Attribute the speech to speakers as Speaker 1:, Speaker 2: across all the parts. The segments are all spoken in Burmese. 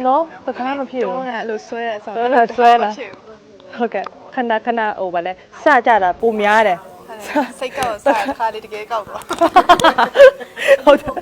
Speaker 1: ကျွန်တော်တခါမှမဖြစ်ဘူး
Speaker 2: တော့အဲ့လိုဆွဲရဆို
Speaker 1: တော့ဆွဲလာဟုတ်ကဲ့ခဏဟိုဗာလဲစကြတာပုံများတယ်
Speaker 2: စိတ်ကောက်စားတစ်ခါလေးတကယ်ကောက်တော့
Speaker 1: ဟုတ်တယ်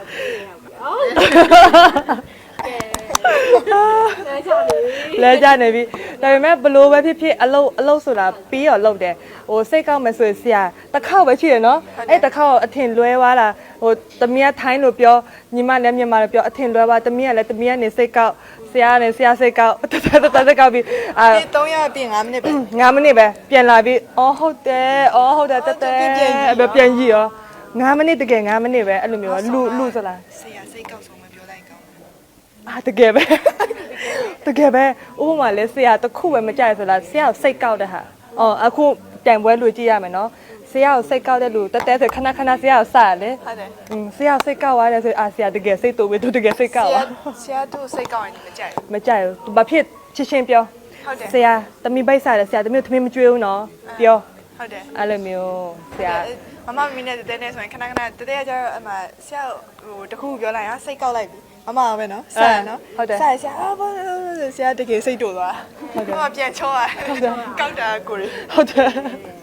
Speaker 1: လဲကြနေပြီဒါပေမဲ့ဘလို့ပဲဖြစ်ဖြစ်အလုတ်ဆိုတာပြီးတော့လုတ်တယ်ဟိုစိတ်ကောက်မယ်ဆိုရင်ဆရာတစ်ခေါက်ပဲရှိရနော်အဲ့တစ်ခေါက်အထင်လွဲသွားတာဟိုတမီးကထိုင်းလို့ပြောညီမလည်းမြန်မာလို့ပြောအထင်လွဲသွားတမီးကလည်းတမီးကနေစိတ်ကောက်ဆရာနဲ့ဆရာစိတ်ကောက်တစိတ်ကောက်ပြီး
Speaker 2: 300ပြင်5မိနစ်ပဲ
Speaker 1: 9မိနစ်ပဲပြန်လာပြီးအော်ဟုတ်တယ်တက်ပြန်ကြည့်ရော9မိနစ်တကယ်9မိနစ်ပဲအဲ့လိုမျိုးလူစလား
Speaker 2: ဆရာစိတ်ကောက်ဆုံးမပြောလိုက်ကောင်း
Speaker 1: တကယ်ပဲဥပမာလဲဆရာတခုပဲမကြိုက်ဆိုလားဆရာကိုစိတ်ကောက်တဲ့ဟာအခုတိုင်ပွဲလူကြည့်ရမယ်နော်ဆရာကိုစိတ်ကောက်တဲ့လူတက်ဆိုခဏဆရာကိုစရလေ
Speaker 2: ဟုတ်တယ်
Speaker 1: ဆရာစိတ်ကောက်သွားတယ်ဆိုဆရာတကယ်စိတ်တူပဲသူတကယ်စိတ်ကောက်
Speaker 2: ဆရာတို့စိတ်ကောက်ရင်မကြိုက်
Speaker 1: ဘူးဘာဖြစ်ချင်းပြောဆရာတမီပိတ်စားတယ်ဆရာတမီသမီးမကြွေးဘူးနော်ပြော
Speaker 2: ဟုတ်တယ်
Speaker 1: အဲ့လိုမျိုးဆရာ
Speaker 2: မမမီနဲ့တဲနဲ့ဆိုရင်ခဏတဲတဲကျတော့အမဆရာဟိုတခုပြောလိုက်ဟာစိတ်ကောက်လိုက်ပြီမမပဲနော်ဆရာနော်ဆရာဘာဆရာတကယ်စိတ်တူသွားမမပြန်ချောရကောက်တာကိုရ
Speaker 1: ဟုတ်တယ်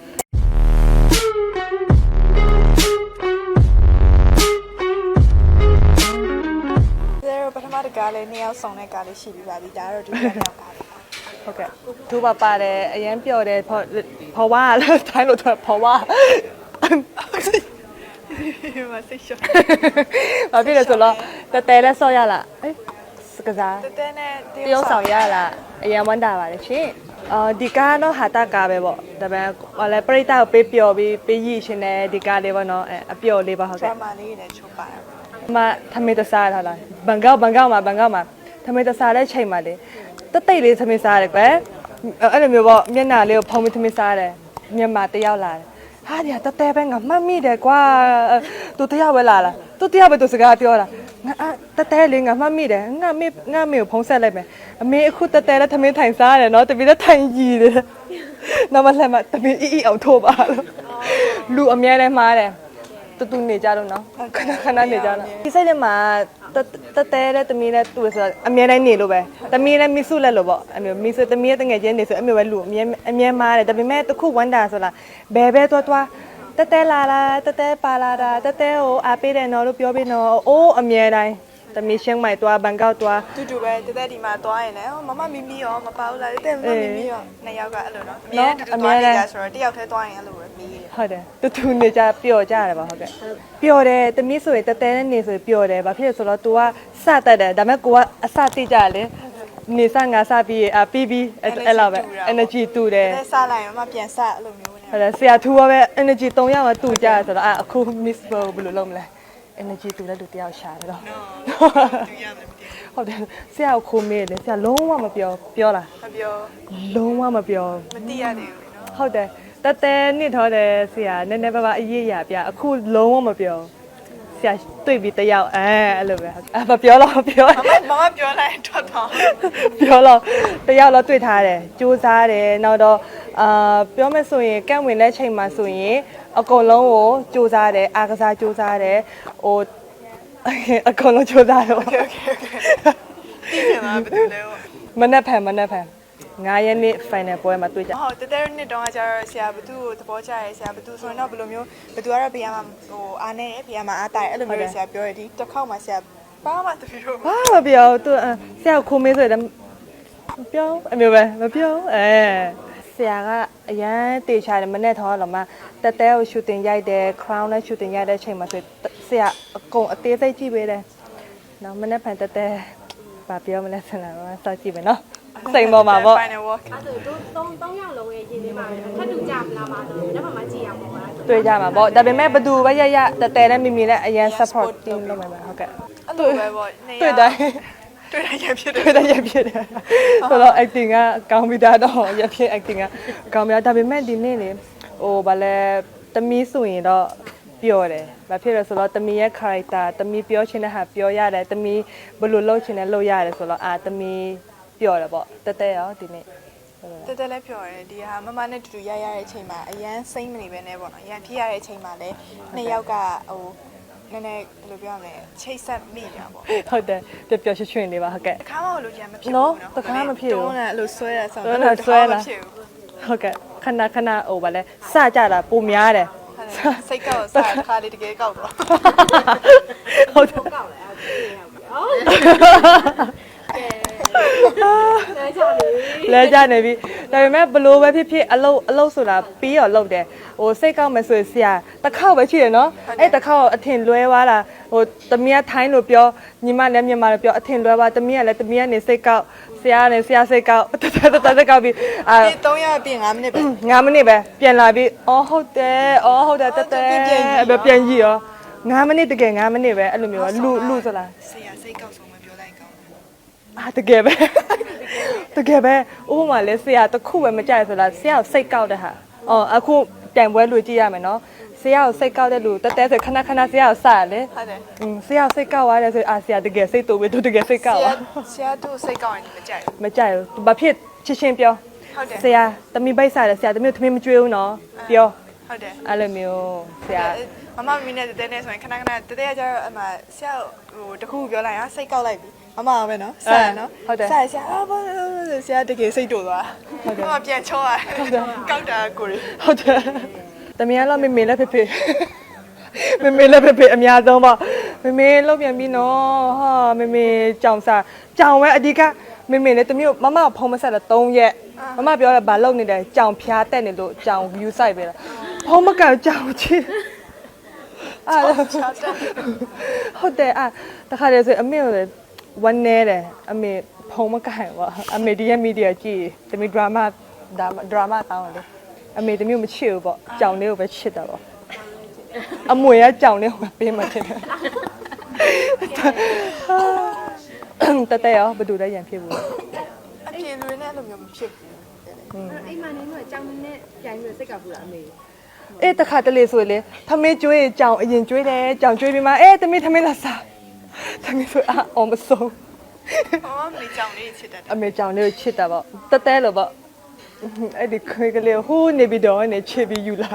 Speaker 2: ပထမတကားလေး2ယောက်ဆောင်တဲ့ကားလေးရှိပြီးပါပြီဒါကတော့ဒုတိယမြောက်ကားလေး
Speaker 1: ဟုတ်ကဲ့သူပါတယ်အရင်ပြောတယ်ဖော်ဝါလည်းတိုင်းလို့ဖော်ဝါ
Speaker 2: မစိတ်ရှော့
Speaker 1: ဘာဖြစ်လဲဆိုတော့တဲလဲဆော့ရလားစကစား
Speaker 2: တဲနဲ့
Speaker 1: တရုပ်ဆောင်ရလားအရင်ဝမ်းတာပါတယ်ရှင်ဒီကားတော့ဟာတာကားပဲပေါ့ဒါပေမဲ့လည်းပရိသတ်ကိုပေးပျော်ပြီးပေးရည်ရှင်တဲ့ဒီကားလေးပေါ့နော်အပျော်လေးပါဟုတ်ကဲ့
Speaker 2: drama လေးနဲ့ချုပ်ပါတယ်
Speaker 1: မထမေတစားထားလားဘန်ကောက်မှာထမေတစားတဲ့ချိန်မှာလေတိတ်လေးထမေစားတယ်ကွယ်အဲ့လိုမျိုးပေါ့မျက်နှာလေးကိုဖုံးပြီးထမေစားတယ်မြန်မာတယောက်လာတယ်ဟာဒီကတဲပဲငါမှတ်မိတယ်ကွာသူတယောက်ပဲလာလားသူတယောက်ပဲသူစကားပြောတာငါတဲလေးငါမှတ်မိတယ်ငါမေကိုဖုံးဆက်လိုက်မယ်အမေအခုတဲလည်းထမင်းထိုင်စားရတယ်နော်တပီလည်းထိုင်ကြည့်တယ်နောက်မှလည်းတပီအီအောင်ထိုးပါလို့လူအများနဲ့မှားတယ်တူနေကြတော့နော်ခဏနေကြတော့ဒီစိတ်ထဲမှာတဲတဲ့တမီးနဲ့တူဆိုတော့အမြဲတမ်းနေလို့ပဲတမီးနဲ့မိစုလက်လို့ပေါ့အမျိုးမိစုတမီးရဲ့တငယ်ချင်းနေဆိုအမျိုးပဲလူအမြဲမားတယ်ဒါပေမဲ့တခုဝမ်းတာဆိုလားဘယ်ပဲသွားတဲလာတဲပါလာတာတဲကိုအားပေးတယ်နော်လို့ပြောပြီးနော်အိုးအမြဲတမ်းတမီးရှင်းမိုက်သွားဘန်ကောက်သွား
Speaker 2: တူပဲတဲဒီမှာသွားရင်လည်းမမမီမီရောမပါဘူးလားတဲမမီမီရောနှစ်ယောက်ကအဲ့လိုနော်အမြဲတူသွားနေကြဆိုတော့တယောက်တည်းသွားရင်အဲ့လိုပဲမီးတယ်
Speaker 1: ဟုတ်တယ်တူနေကြပျော်ကြရတယ်ပါဟုတ်ကဲ့ပျော်တယ်တမီးဆိုရင်တဲနဲ့နေဆိုရင်ပျော်တယ်ဘာဖြစ်လဲဆိုတော့ तू ကစတတ်တယ်ဒါပေမဲ့ကိုကအစတိကြလေနေစငါစပြီးပြီးအဲ့လိုပဲ energy တူတယ်
Speaker 2: တဲစားလိုက်မပြန်စအဲ့လိုမျိုးနဲ့
Speaker 1: ဟုတ်တယ်ဆရာထူရောပဲ energy 3ယောက်တူကြဆိုတော့အခု miss ဘယ်လိုလုပ်မလဲ energy တူတဲ့လူတယောက်ရှာတယ်တော့ဟုတ်တယ်ဆရာကိုခိုးမေးတယ်ဆရာလုံးဝမပြောလား
Speaker 2: မပြော
Speaker 1: လုံးဝမပြော
Speaker 2: မသိရသေးဘူးနော်
Speaker 1: ဟုတ်တယ်တဲနှစ်ထောတယ်ဆရာနည်းနည်းပါးအရေးရပြအခုလုံးဝမပြောဆရာတွေ့ပြီးတယောက်အဲ့လိုပဲမပြောတော့
Speaker 2: မမပြောလိုက်ထွက်တော့
Speaker 1: ပြောတော့တယောက်တော့တွေ့ထားတယ်စူးစားတယ်နောက်တော့ပြောမယ်ဆိုရင်ကန့်ဝင်တဲ့ချိန်မှာဆိုရင်အကုန်လုံးကိုစူးစားတယ်အားကစားစူးစားတယ်ဟိုအကုန်လုံးစူးစားတော့
Speaker 2: okay ဒီမှာဘယ်လိုလဲ
Speaker 1: မနေ့ဖန်9 ရက်နေ့ final ပွဲမှာတွေ့ကြ
Speaker 2: ဟုတ်တဲနှစ်တုန်းကကျတော့ဆရာဘသူ့ကိုသဘောကျရဲဆရာဘသူဆိုရင်တော့ဘယ်လိုမျိုးဘသူကတော့ဘေးမှာဟိုအားနေဘေးမှာအားတိုင်အဲ့လိုမျိုးဆရာပြောရဒီတစ်ခေါက်မှာဆရာဘာမှတပီတော့
Speaker 1: ဘာမပြောသူဆရာခိုးမေးဆိုရင်မပြောအမျိုးပဲမပြောဆရာကအရန်တေချာတယ်မနဲ့ထောတော့မှတဲကို shooting ရိုက်တယ် crown နဲ့ shooting ရိုက်တဲ့အချိန်မှာဆိုဆရာအကုန်အသေးစိတ်ကြည့်ပေးတယ်နော်မနဲ့ဖန်တဲဘာပြောမလဲဆရာကစောက်ကြည့်မယ်နော်စိန်ပေါ်မှာပေါ့
Speaker 3: အဲ့ဒါတို့3ယောက်လုံးရဲ့ရည်လေးပါပဲထပ်တူကြမလားပါတော့လက်မှမကြည့်ရမှာပါ
Speaker 1: တွေ့ကြမှာပေါ့ဒါပေမဲ့ဘသူပဲရတဲနဲ့မိမိနဲ့အရန် support team လုပ်မှာပါဟုတ်ကဲ့
Speaker 2: အဲ့လိုပဲပေါ့
Speaker 1: တွေ့တိုင်းရဖြစ်တယ်ဆိုတော့ acting ကကောင်းပြီးသားတော့ရဖြစ် acting ကကောင်းပြီးဒါပေမဲ့ဒီနေ့လေဟိုဗာလဲတမီးဆိုရင်တော့ပြောတယ်။ဘာဖြစ်လဲဆိုတော့တမီရဲ့ character တမီပြောချင်တဲ့ဟာပြောရတယ်တမီဘယ်လိုလုပ်ချင်တယ်လုပ်ရတယ်ဆိုတော့တမီပြောတယ်ပေါ့တဲရောဒီနေ့
Speaker 2: တဲလည်းပြောတယ်ဒီဟာမမနဲ့တူတူရတဲ့အချိန်မှာအရန်စိမ့်မနေပဲနဲ့ပေါ့နော်ရန်ဖြစ်ရတဲ့အချိန်မှာလည်းနှစ်ယောက်ကဟိုနည်းနည်းဘယ်လိုပြောရမလဲချိတ်ဆက်မိကြပေါ့
Speaker 1: ဟုတ်တယ်ပျော်ပျော်ရွှင်ရွှင်လေးပါဟုတ်ကဲ့
Speaker 2: တခါမှလို့ကြံမဖြစ်ဘူး
Speaker 1: နော်တခါမဖြစ်ဘူး
Speaker 2: တွန်းတယ်အဲ့လိုဆွဲရဆောင်
Speaker 1: တွန်းတာဆွဲလာဟုတ်ကဲ့ခဏခဏဟိုဗာလဲစကြတာပုံများတယ်
Speaker 2: စိတ်ကောက်စားတခါလေးတကယ်ကောက်တော့
Speaker 1: ဟုတ်တယ်
Speaker 3: ကောက်လဲဟုတ်လဲကြနေပြီ
Speaker 1: လဲကြနေပြီဒါပေမဲ့ဘလို့ပဲဖြစ်ဖြစ်အလုတ်ဆိုတာပြီးတော့လုတ်တယ်ဟိုစိတ်ကောက်မယ်ဆိုရင်ဆရာတစ်ခေါက်ပဲရှိတယ်နော်အဲ့တစ်ခေါက်အထင်လွဲသွားတာဟိုတမီးကထိုင်းလို့ပြောညီမလည်းမြန်မာလို့ပြောအထင်လွဲသွားတမီးကလည်းတမီးကနေစိတ်ကောက်ဆရာကနေဆရာစိတ်ကောက်တစိတ်ကောက်ပြီးအာ
Speaker 2: ဒီ3ရက်ပြင်5မိနစ်ပဲ
Speaker 1: 9မိနစ်ပဲပြန်လာပြီးအော်ဟုတ်တယ်တက်ပြန်ကြည့်ရော9မိနစ်တကယ်9မိနစ်ပဲအဲ့လိုမျိုးလူဆိုလား
Speaker 2: ဆရာစိတ်ကောက်ဆုံးမပြောလိုက်ကောင်းတယ်
Speaker 1: အာတကယ်ပဲဥပမာလဲဆရာတစ်ခုပဲမကြိုက်ဆိုလားဆရာကိုစိတ်ကောက်တဲ့ဟာအော်အခုတိုင်ပွဲလူကြည့်ရမယ်နော်ဆရာကိုစိတ်ကောက်တဲ့လူတက်ဆိုခဏဆရာကိုစရလေ
Speaker 2: ဟုတ်တယ်
Speaker 1: ဆရာစိတ်ကောက်သွားတယ်ဆိုအာဆရာတကယ်စိတ်တူပဲသူတကယ်စိတ်ကောက်သွား
Speaker 2: ဆရာတို့စိတ်ကောက်ရင်မကြိုက်ဘူး
Speaker 1: မကြိုက်ဘူးဘာဖြစ်ချင်းပြော
Speaker 2: ဟုတ်တယ်
Speaker 1: ဆရာတမီပိတ်စားတယ်ဆရာတမီသမီးမကြွေးဘူးနော်ပြော
Speaker 2: ဟုတ်တယ်
Speaker 1: အဲ့လိုမျိုးဆရာ
Speaker 2: မမမီနဲ့တဲနဲ့ဆိုရင်ခဏတဲတဲကျတော့အမဆရာဟိုတခုပြောလိုက်ဟာစိတ်ကောက်လိုက်ပြီမမပဲနော်ဆရာနော်ဆရာဘာဆရာတကယ်စိတ်တူသွားဟုတ်တယ်မမပြန်ချောရတယ်ကောက်တာကိုရီ
Speaker 1: ဟုတ်တယ်တမီကတော့မေလည်းဖေမေလည်းဖေအများဆုံးပေါ့မေလောက်ပြန်ပြီနော်ဟာမေကြောင်စားကြောင်ပဲအဓိကမေလည်းတမီမမဖုံးမဆက်တော့3ရက်မမပြောတယ်ဘာလုပ်နေတယ်ကြောင်ဖျားတက်နေလို့ကြောင် view site ပဲလားဖုံးမကန်ကြောင်ချင်းအဲ့ဟုတ်တယ်တခါတည်းဆိုအမေကဝမ်းနေတယ်အမေဖုံးမကန်ပါအမေဒီရဲ့မီဒီယာကြည့်တမီဒရာမာတောင်းတယ်အမေတမျိုးမချစ်ဘူးပေါ့ကြောင်လေးကိုပဲချစ်တာပေါ့အမွေကကြောင်လေးကိုပဲပေးမှချစ်တယ်တရောဘယ်သူလဲရန်ဖြစ်ဘူး
Speaker 2: အပြေလွေနဲ့အဲ့လိုမျိုးမဖြစ်ဘူး
Speaker 3: အိမ်မနေတော့ကြောင်နဲ့ပြန်ပြီးစိတ်ကောက်ဘူးလားအမေ
Speaker 1: အေးတခါတလေဆိုလေထမင်းကျွေးကြောင်အရင်ကျွေးတယ်ကြောင်ကျွေးပြီးမှတမင်းလာစားတမင်းဆိုအောင်မဆုံး
Speaker 2: အော်မေကြောင်လေးချစ်တတ်တယ်
Speaker 1: အမေကြောင်လေးကိုချစ်တာပေါ့တဲလို့ပေါ့အဲ့ဒီခွေးကလေးဟိုးနေပြီးတော့နေချစ်ပြီးယူလာ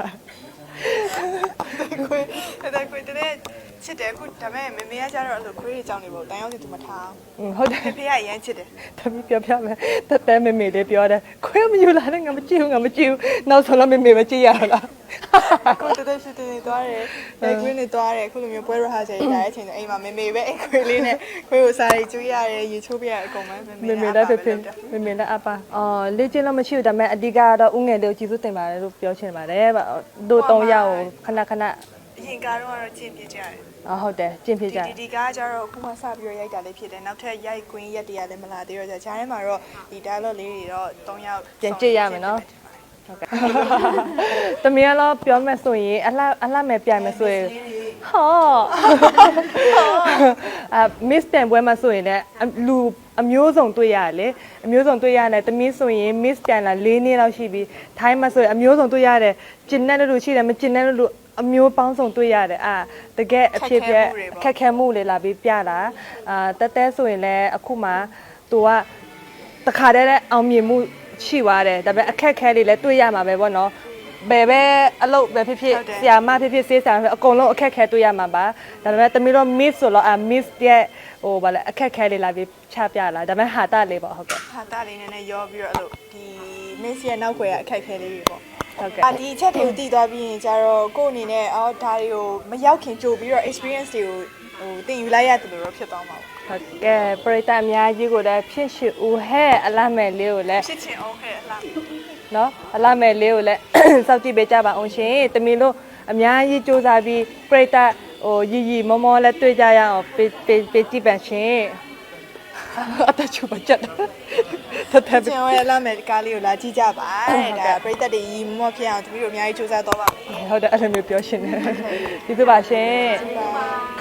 Speaker 2: ခွေးတဲ့ချစ်တယ်အခုဒါပေမဲ့မေကကျတော့အဲ့လိုခွေးကြောင်နေပေါ့တန်ရောက်စီသူမထား
Speaker 1: ဟုတ်တယ်
Speaker 2: ဖေကအရန်ချစ်တယ်
Speaker 1: တမီးပြောမယ်တဲမေလေးပြောတယ်ခွေးမယူလာနဲ့ငါမကြည့်ဘူးနောက်ဆုံးတော့မေပဲကြည့်ရတော့လား
Speaker 2: ကိုတဲ့ရှိတင်သွားတယ်။ခွေးနဲ့သွားတယ်။ခုလိုမျိုးပွဲရဟာချက်ရတဲ့အချိန်ဆိုအိမ်မှာမေပဲအိမ်ခွေးလေးနဲ့ခွေးကိုစားရီကျွေးရတယ်ရေချိုးပြရအကုန်ပဲ
Speaker 1: မေလည်းဖေမေလည်းအပါလေ့ကျင့်လို့မရှိဘူးဒါပေမဲ့အဓိကတော့ဥငယ်လေးကိုကြည့်စုတင်ပါတယ်လို့ပြောချင်ပါတယ်ဗျတို့3ယောက်ကိုခဏ
Speaker 2: အရင်ကတော့ကျင့်ပြကြတယ်
Speaker 1: ဟုတ်တယ်ကျင့်ဖြစ်ကြတယ်
Speaker 2: ဒီကားကျတော့အခုမှစပြီးတော့ရိုက်တာလေးဖြစ်တယ်နောက်ထပ်ရိုက်ကွင်းရက်တရလည်းမလာသေးတော့ဂျာထဲမှာတော့ဒီ dialogue လေးတွေတော့3ယောက်
Speaker 1: ပြန်ကြည့်ရမယ်နော်ဟုတ်ကဲ့တမီးကတော့ပြောမယ်ဆိုရင်အလှမဲ့ပြိုင်မယ်ဆိုရင်ဟောmiss တန်ပွဲမှာဆိုရင်လည်းလူအမျိုးစုံတွေ့ရတယ်လေအမျိုးစုံတွေ့ရတယ်တမီးဆိုရင် miss တန်လာ4နှစ်လောက်ရှိပြီထိုင်းမှာဆိုရင်အမျိုးစုံတွေ့ရတယ်ကျင်တဲ့လူရှိတယ်မကျင်တဲ့လူအမျိုးပေါင်းစုံတွေ့ရတယ်တကယ်အဖြစ်ပြခက်ခဲမှုလေလာပြီးပြတာတဲဆိုရင်လည်းအခုမှသူကတခါတည်းအောင်မြင်မှုရှိသွားတယ်ဒါပေမဲ့အခက်ခဲလေးလည်းတွေ့ရမှာပဲပေါ့နော်ဘယ်ပဲအလုပ်ပဲဖြစ်ဖြစ်ဆရာမဖြစ်ဖြစ်ဆေးဆရာဖြစ်အကုန်လုံးအခက်ခဲတွေ့ရမှာပါဒါပေမဲ့တမီးတော့ miss ဆိုတော့miss ရဲ့ဟိုဗာလဲအခက်ခဲလေးလာပြီးချပြလာဒါပေမဲ့ဟာတာလေးပေါ့ဟုတ်ကဲ့
Speaker 2: ဟာတာလေးနည်းနည်းရောပြီးတော့အဲ့လိုဒီ miss ရဲ့နောက်ွယ်ကအခက်ခဲလေးတွေပေါ့
Speaker 1: ဟုတ်ကဲ့
Speaker 2: ဒီအချက်တွေကိုတည်သွားပြီးရင်ကျတော့ကို့အနေနဲ့ဒါတွေကိုမရောက်ခင်ကြိုပြီးတော့ experience တွေကိုသင်ယူလိုက်ရတယ်လို့တော့ဖြစ်သွားမှာပေါ့
Speaker 1: ဟုတ်ကဲ့ပရိသတ်အများကြီးကိုလည်းဖြစ်ရှိဦးဟဲ့အလားမဲ့လေးကိုလည်း
Speaker 2: ဖြစ်ချင်အောင်ခဲ့အလား
Speaker 1: နော်အလားမဲ့လေးကိုလည်းစောင့်ကြည့်ပေးကြပါအောင်ရှင်တမီလို့အများကြီးစူးစမ်းပြီးပရိသတ်ဟိုရီမောမောလည်းတွေ့ကြရအောင်ပေးကြည့်ပါရှင်အတချူပါချက်တတ်
Speaker 2: ကျန်ရဲ့လာမယ်ကားလေးကိုလာကြည့်ကြပါဒါပရိသတ်တွေရီမောဖြစ်အောင်တပည့်တို့အများကြီးစူးစမ်းတော့ပါ
Speaker 1: ဟုတ်တယ်အဲ့လိုမျိုးပြောရှင်တယ်ကျေးဇူးပါရှင်